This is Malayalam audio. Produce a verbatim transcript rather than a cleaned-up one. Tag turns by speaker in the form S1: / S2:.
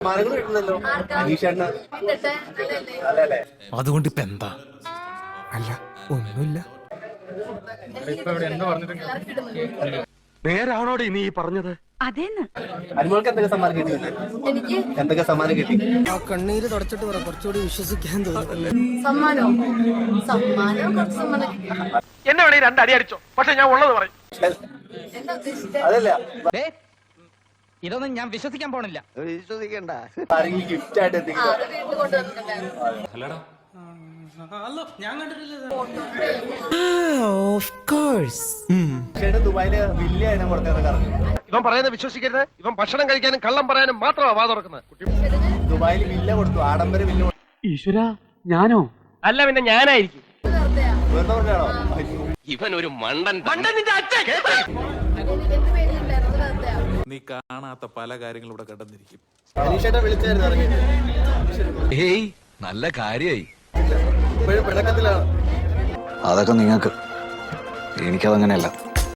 S1: അതുകൊണ്ട് ഇപ്പൊ എന്താ?
S2: അല്ല ഒന്നുമില്ല.
S3: നേരാണോടെ നീ പറഞ്ഞത്?
S4: അതേന്ന്
S5: അനുമോൾക്ക് എന്തൊക്കെ സമ്മാനം കിട്ടി?
S4: എനിക്ക്
S5: എന്തൊക്കെ സമ്മാനം കിട്ടി?
S2: ആ കണ്ണീര് തുടച്ചിട്ട് പറ, കുറച്ചുകൂടി വിശ്വസിക്കാൻ തോന്നുന്നു.
S4: സമ്മാനോ സമ്മാനോ കുറച്ച് സമ്മാനം കിട്ടി.
S3: എന്നെ വേണേ രണ്ടടി അടിച്ചോ, പക്ഷെ ഞാൻ ഉള്ളത് പറയും.
S4: എന്താ ഉദ്ദേശിച്ചത്?
S5: അതല്ല,
S6: ഇതൊന്നും ഞാൻ വിശ്വസിക്കാൻ പോണില്ല.
S5: വിശ്വസിക്കണ്ട. ആരെങ്കിലും ഗിഫ്റ്റ് ആയിട്ട്
S4: ആ,
S5: എന്തെങ്കിലും
S4: അത് വീട്ടിൽ കൊണ്ടുവന്നിട്ടുണ്ടായിരുന്നു.
S2: Of course.
S5: ചേട്ടാ ദുബായില് വില്ല അതിനെ പുറത്തിറങ്ങാറുണ്ട്.
S3: ഇവൻ പറയുന്നത് വിശ്വസിക്കരുത്. ഇവൻ ഭക്ഷണം കഴിക്കാനും കള്ളം പറയാനും മാത്രമാണ് വാ തുറക്കുന്നത്.
S5: ദുബായില് വില്ല കൊടുത്തു, ആഡംബര വില്ല കൊടുത്തു.
S3: ഈശ്വര, ഞാനോ? അല്ല, പിന്നെ ഞാനായിരിക്കും.
S4: വെറുതെയാ?
S5: വെറുതെ പറഞ്ഞാണോ?
S3: ഇവൻ ഒരു മണ്ടൻ മണ്ടൻ. നിന്റെ അച്ഛൻ
S4: എനിക്ക് പേടിയുണ്ടായിരുന്നു. വെറുതെയാ?
S1: നീ കാണാത്ത പല കാര്യങ്ങളും ഇവിടെ കണ്ടെന്നിരിക്കും.
S5: അനീഷേട്ടാ വിളിച്ചായിരുന്നു ഇറങ്ങി.
S7: ഏയ് നല്ല കാര്യായി.
S5: ഇപ്പോഴും പിണക്കത്തിലാണ്.
S7: അതൊക്കെ നിങ്ങൾക്ക്, എനിക്കതങ്ങനെയല്ല.